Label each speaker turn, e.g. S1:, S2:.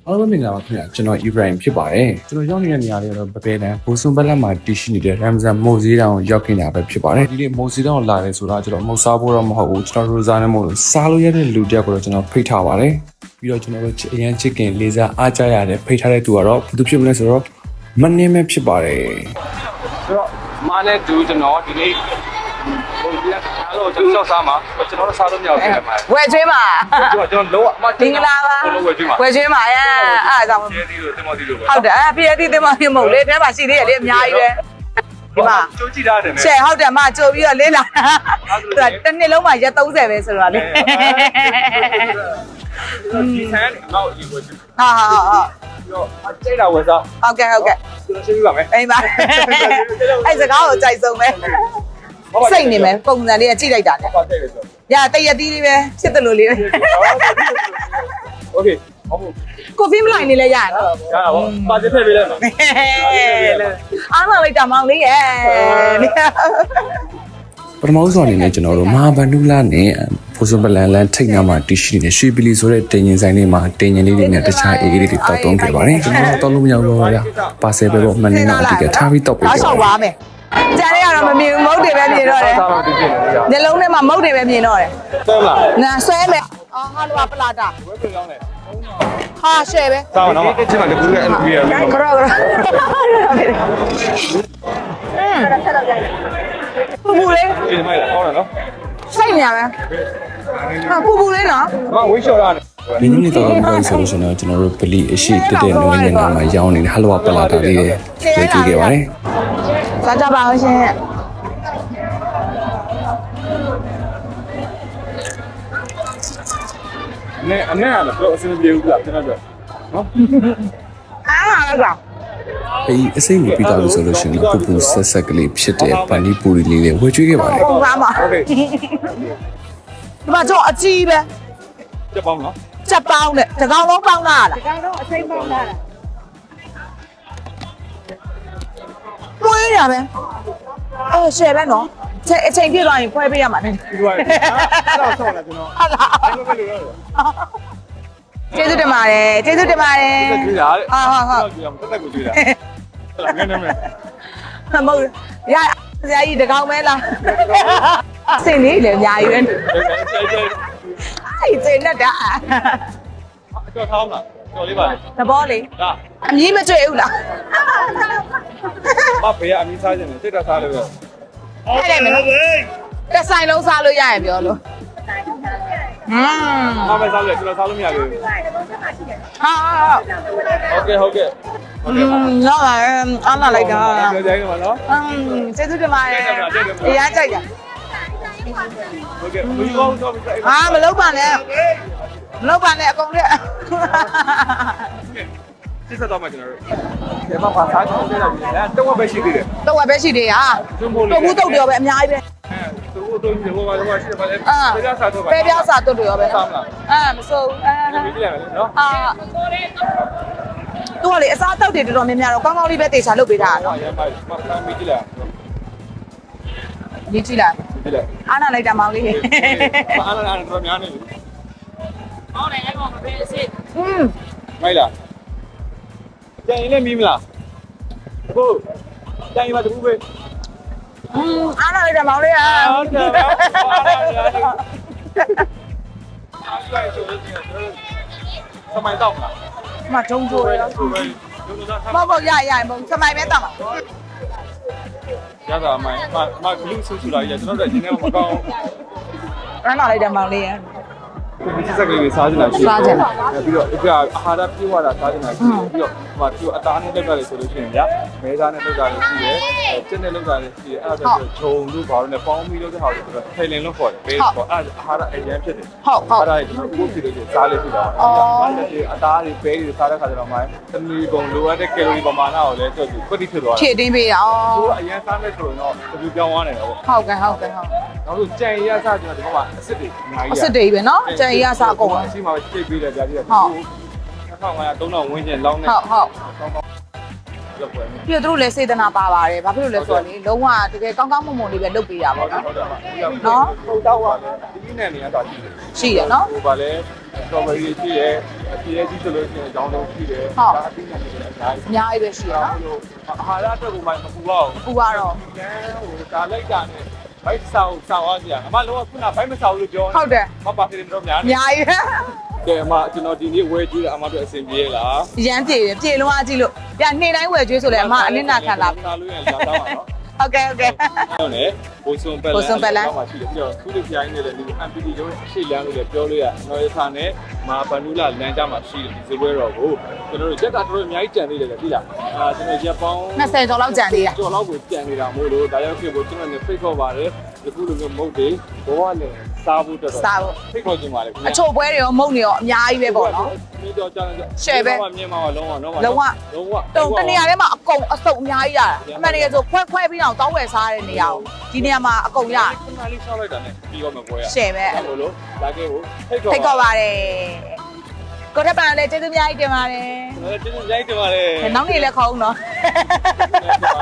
S1: အားလုံးမင်္ဂလာပါခင်ဗျာကျွန်တော် Ibrahim ဖြစ်ပါတယ်ကျွန်တော်ရောက်နေတဲ့နေရာလေးတော့ပပယ်တန်းဘူဆွန်ဘက်လက်မှာတည်ရှိနေတဲ့ Ramzan မိုဇီတောင်ကိုရောက်နေတာပဲဖြစ်ပါတယ်ဒီနေ့မိုဇီတောင်ကိုလာတယ်ဆိုတာကျွန်တော်မဟုတ်စားဖို့တော့မဟုတ်ဘူးကျွန်တော်ရိုဇာနဲ့မဟုတ်စားလို့ရတဲ့လူတစ်ယောက်ကိုတော့ကျွန်တော်ဖိတ်ထားပါတယ်ပြီးတော့ကျွန်တော်တို့အရန်ချစ်ခင်လေးစားအားကြရတဲ့ဖိတ်ထားတဲ့သူကတော့ဘယ်သူဖြစ်မလဲဆိုတော့မနှင်းမဲဖြစ်ပါတယ်ဆိုတော့မာနဲ့တူကျွန်တော်ဒီနေ့ဟိုဒီကအားလုံးကျွန်တော်စားမှာကျွန်တော်တို့စားလို့မရဘူးဖြစ်မှာ
S2: ဝယ်ကျွေးမှာ
S1: ကျွန်တော်လုံးဝ
S2: မင်္ဂလာပါဝယ်ကျွေးမှာအဲ့ဒါကြောင့်
S1: ကျေးဇူးတင်ပါသေးလို့
S2: ဟုတ်တယ်ဖျက်သီးတင်ပါမဟုတ်လေထဲမှာရှိသေးတယ်လေအများကြီးပဲဒီမှာ
S1: ကြိုးကြည့်ထားတယ်
S2: ရှယ်ဟုတ်တယ်မကြိုပြီးတော့လေးလာသူကတစ်နှစ်လုံးမှာရက်30ပဲဆိုတော့လေ
S1: ဒီဆန်တော့ဒီဝယ်
S2: ဟာ
S1: တော့အကျိတ်တာဝယ်စား
S2: ဟုတ်ကဲ့
S1: ကျွန်တော်ရှင်းပြပါမယ်
S2: အိမ်ပါအဲ့စကားကိုကြိုက်ဆုံးပဲစိတ်နေမယ်ပုံစံလေးကကြည့်လိုက်တာလေ
S1: ဟုတ်တယ်ဆို
S2: ရတရက်တီးလေးပဲဖြစ်တယ်လို့လေး
S1: โอเคဟုတ်
S2: ကိုဖီးမလိုက်နေလဲရရနော်
S1: ရတာပေါ့ပါချစ်ထည့်ပေးလိုက်ပါ
S2: အားမလိုက်တာမောင်လေးရဲ့
S1: ပထမဆုံးအနေနဲ့ကျွန်တော်တို့မဟာဗန္ဓုလနဲ့ဖိုးစွန်ပလန်လန်ထိတ်နာမှာတရှိနေတဲ့ရွှေပလီဆိုတဲ့တင်ရင်ဆိုင်လေးမှာတင်ရင်လေးတွေနဲ့တခြားအေးလေးတွေတောက်တုံးခဲ့ပါတယ်ကျွန်တော်တောက်လို့မရဘူးဗျာပါဆယ်ပဲပေါ့မနေ့ကအတိကထားပြီးတောက်ပေး
S2: တယ်ဆောက်ပါမယ်ကြံရတော့မမြင်ဘူးမုတ်တွေပဲမြင်တော့တယ်ညလုံးထဲမှာမုတ်တွေပဲမြင်တော့တယ်
S1: ဆွဲမလား
S2: နာဆွဲမယ်အော်ဟာလိုပလာတာ
S1: ဝဲပြောင်းတယ်
S2: ဟာရှယ်ပဲ
S1: စောင်းတော့ဒီချင်းမှာတကူကအဲ့လိုပြရပြီ
S2: ကရောပူပူလေး
S1: ဒီမိုက်လာဟောတယ်နော်
S2: စိတ်နေရပဲဟာပူပူလေးနော်
S1: မဝေးလျှော်တာဒီနေ့တော့ဘာလို့ဆိုလို့ရှိရင်ကျွန်တော်တို့ဗလီအရှိတက်တဲ့နွေးနေမှာရောင်းနေတဲ့ဟလဝပလာတာလေးတွေတွေ့ခဲ့ပါတယ်
S2: စားကြပါဦးရှင်
S1: အနေနဲ့တော့အဆင်ပြေဘူးလားကျွန်တော်တို့နော်
S2: အားလာတော့
S1: အေးအစိမ့်ကိုပြီးသွားလို့ဆိုလို့ရှိရင်ပူပူဆက်ဆက်ကလေးဖြစ်တဲ့ပန်ဒီပူရီလေးတွေဝယ်ကျွေးခဲ့ပါတယ်
S2: ဟုတ်ပါမှာ
S1: ဟုတ်ကဲ့
S2: ဒီမှာတော့အကြီးပဲ
S1: ချက်ပေါင်းနော်
S2: ချက်ပေါင်းနဲ့တကောင်လုံးပေါင်းလာလား
S3: တကောင်လုံးအစိမ့်ပေါင်းလာတာ
S2: မွေးရပဲရှယ်ပဲနော်အချိန်ပြည့်သွားရင်ဖွဲပေးရမှာနဲ့
S1: ဒီလိုအဲ့တော့ဆောင်းလာကျွန်တော်
S2: ဟုတ်လား
S1: ဘယ်လိုလဲ
S2: ကျေးဇူးတင်ပါတယ်ကျေးဇူးတင်ပါတယ်
S1: ကြွေးတာတဲ့
S2: ဟုတ်
S1: တက်တက်ကိုကြွေးတာငန်းနေမယ်
S2: မဟုတ်ရဆရာကြီးတကောင်မဲလားစင်လေးလည်းအများကြီးပဲအဲ့စင်နဲ့တာ
S1: ကြောက်ထောင်းလားကြော်လေးပါ
S2: သဘောလေးအမြင်မကျွေးဘူးလား
S1: မဖေကအမီးစားခြင်းနဲ့စိတ်တက်စားလို့ပဲ
S2: အဲ့ဒါမင်းတစ်ဆိုင်လုံးစားလို့ရရင်ပြောလို့
S1: မမစားလို့ကျွန်တော်စားလို့မရဘူး
S2: ဟာ
S1: ဟုတ်ကဲ့
S2: နော်အားလာလိုက်တာ
S1: ပြောကြရမှာနော်
S2: ကျေးဇူးတင်ပါတယ်အေးအားကြိုက်တာ
S1: ဟုတ်ကဲ့ဘူးကောင်းတော့
S2: မလုပ်ပါနဲ့မလုပ်ပါနဲ့အကုန်လက်
S1: စစ်စတော့မှကျွန်တော်တို့ဒီမှာပါစားချင်တယ်လားတော့ဝက်ပဲရှိသေးတယ်
S2: တော့ဝက်ပဲရှိသေးတာတော့ဘူးတုတ်ပြောပဲအများကြီးပဲ
S1: သူတို့ဒီဘောကတော့ရှိတယ်ပါလေပဲပြားစားတော့
S2: ပဲပြားစားတုတ်တွေရောပဲ
S1: စားမလား
S2: မစိုး
S1: ဒီကြည့်လိုက်မယ်နော်
S2: သူကလေအစားအသောက်တွေတော်တော်များများတော့ကောင်းကောင်းလေးပဲတေချာလုပ်ပေးတာနော်
S1: ရမ်းပါမီးကြည့်လိုက်
S2: မြည်ကြည့်လိုက်
S1: ကြည့်လိုက်
S2: အားနာလိုက်တာမောင်လေး
S1: အားနာတော့များနေပြီ
S3: ဟောတယ်အဲ့ကောင်မပေးအစ်
S1: မိုက်လားကြင်လည်းမီးမလားဟုတ်ကြင်မှာတူပဲ
S2: အားနာလိုက်တာမောင်လေး
S1: ဟုတ်တယ်စမိုင်းတော့လား
S2: မထုံးချိုးရမရမစမိုင်းပဲတောက်ပါ
S1: ရတာမိုင်းမဂလူးဆူဆူလာရကျွန်တော်တို့ဒီနေ့မကောင်း
S2: အားနာလိုက်တာမောင်လေး
S1: ဒီစက်ကလေးစားကြတယ်ရှိပြီးတော့ဒီအာဟာရပြေဝတာစားကြတယ်ရှိပြီးတော့ဟိုဒီအသားနဲ့လောက်တာလေဆိုလို့ရှိရင်ဗျာမဲသားနဲ့လောက်တာလေရှိတယ်ကျက်နဲ့လောက်တာလေရှိတယ်အဲ့ဒါဆိုဂျုံတို့ဘာလို့လဲပေါင်းပြီးလောက်တဲ့ဟာတွေဆိုတော့ထိုင်လင်လို့ခေါ်တယ်ဘေးပေါ့အဲ့အာဟာရအရင်ဖြစ်တယ်
S2: ဟုတ်
S1: အဲ့ဒါကျွန်တော်ကိုဖြစ်လို့စားလို့ဖြစ်တာအဲ့ဒါအသားတွေပဲတွေစားတဲ့ခါကျတော့မှသမီးပုံလိုအပ်တဲ့ကယ်လိုရီပမာဏကိုလည်းတွက်ပြီးကွက်တိဖြစ်သွားတယ်
S2: ဖြည့်တင်းပေးတာ
S1: သူကအရင်စားမယ်ဆိုရင်တော့ဒီပြောင်းသွားတယ်ပေါ့
S2: ဟုတ်ကဲ့နောက်
S1: ဆိုကြံရစားကျွန်တော်ဒီမှာအစ်စ်တွေအများကြီး
S2: အစ်စ်တွေပဲနော်ကြံရစားကုန်
S1: အရှိမှာချိတ်ပေးတယ်ကြာကြီးတယ်2500 3000ဝန်းကျင်လောင်းနေ
S2: ဟုတ်
S4: လောက်ပွဲ
S2: ပြီးတော့သူတို့လည်းစေတနာပါပါတယ်ဘာဖြစ်လို့လဲဆိုတော့လေလုံးဝတကယ်ကောင်းကောင်းမွန်မွန်လေးပဲလုပ်ပေးတာပေါ့နော်
S4: ဟုတ်တော့ပါဒီနဲ့နေရတာရှိတယ်
S2: ရှိတယ်နော်
S4: ဟိုပါလဲစတော်ဘယ်ရီရှိတယ်အပြည့်ကြီးဆိုလို့ရှိရင်ကြောင်းလုံးရှိတယ်ဒါအပြီးနဲ့နေတယ်အများကြီး
S2: အများကြီးပဲရှိရနော်
S4: အာဟာရအတွက်ကိုမှမပူပါဘူး
S2: အခုကတော့
S4: ကျန်းဟိုဒါလိုက်တာနဲ့ဘိုက်ဆောင်အားစရာအမလုံးဝခုနဘိုက်မဆောင်လို့ပြော
S2: ဟုတ်တယ်
S4: မပါသေးတယ်တော့များ
S2: အများကြီးပဲ
S4: ကဲအမကျွန်တော်ဒီနေ့ဝယ်ကြည့်တာအမတို့အဆင်ပြေလား
S2: ရမ်းပြေတယ်ပြေလုံးအားကြည့်လို့ညနေတိုင်းဝယ်ကျွေးဆိုလဲအမအနစ်နာခံလာပြီ
S4: လာလို့ရလာတော့ပါနော်
S2: ဟုတ်ကဲ့ဟုတ်ကဲ့
S4: ဟုတ်တယ်ဘိုးစွန်ပက်လန်မှာရှိတယ်ပြီးတော့သူ့လူပြိုင်းနဲ့လည်းဒီ MPD ရုံးရှေ့လမ်းလို့လည်းပြောလို့ရနော်ရစာနဲ့မာဘနူလာလမ်းကြမှာရှိတယ်ဒီစပွဲတော်ကိုကျွန်တော်တို့ရက်ကတော်တော်အများကြီးကြံသေးတယ်လေသိလားကျွန်တော်ရက်ပေါင်း
S2: 20ကျော်လောက်ကြံသေးတာ
S4: ကျော်လောက်ကိုကြံနေတာမို့လို့ဒါရောက်ဖြစ်ဖို့ကျွန်တော်လည်းဖိတ်ခေါ်ပါတယ်ဒီခုလိုမျိုးမုတ်တွေဘောကလည်းစားဖို့တော်တော်ဖိတ်ခေါ်ခြင်းပါလေ
S2: အချို့ပွဲတွေရောမုံတွေရောအများကြီးပဲပေါ့နော်
S4: ပြီးတော့ကြာကြာ
S2: ရှယ်ပဲ
S4: မြင်မှာလုံးဝလုံးဝ
S2: လုံးဝ
S4: လုံးဝ
S2: တုံတနေရာထဲမှာအကုန်အစုံအများကြီးရတာအမှန်တကယ်ဆိုခွဲပြီးတော့တောင်းဝယ်စားတဲ့နေရာကိုဒီနေရာမှာအကုန်ရ
S4: ခုနလေးဆောက်လိုက်တာနဲ့ပြီးတော့မပွဲရ
S2: ရှယ်ပဲ
S4: အဲ့လိုလို့လာခဲ့ဖို့ဖိတ်ခေါ်
S2: ထိတ်ခေါ်ပါတယ်ကိုထက်ပန်လည်းကျေးဇူးအများကြီးတင်ပါတယ်
S4: ကျေးဇူးကြိုက်တင်ပါတယ်
S2: နောက်နေ့လည်းခေါင်းနော်
S4: ကျေးဇူးပါ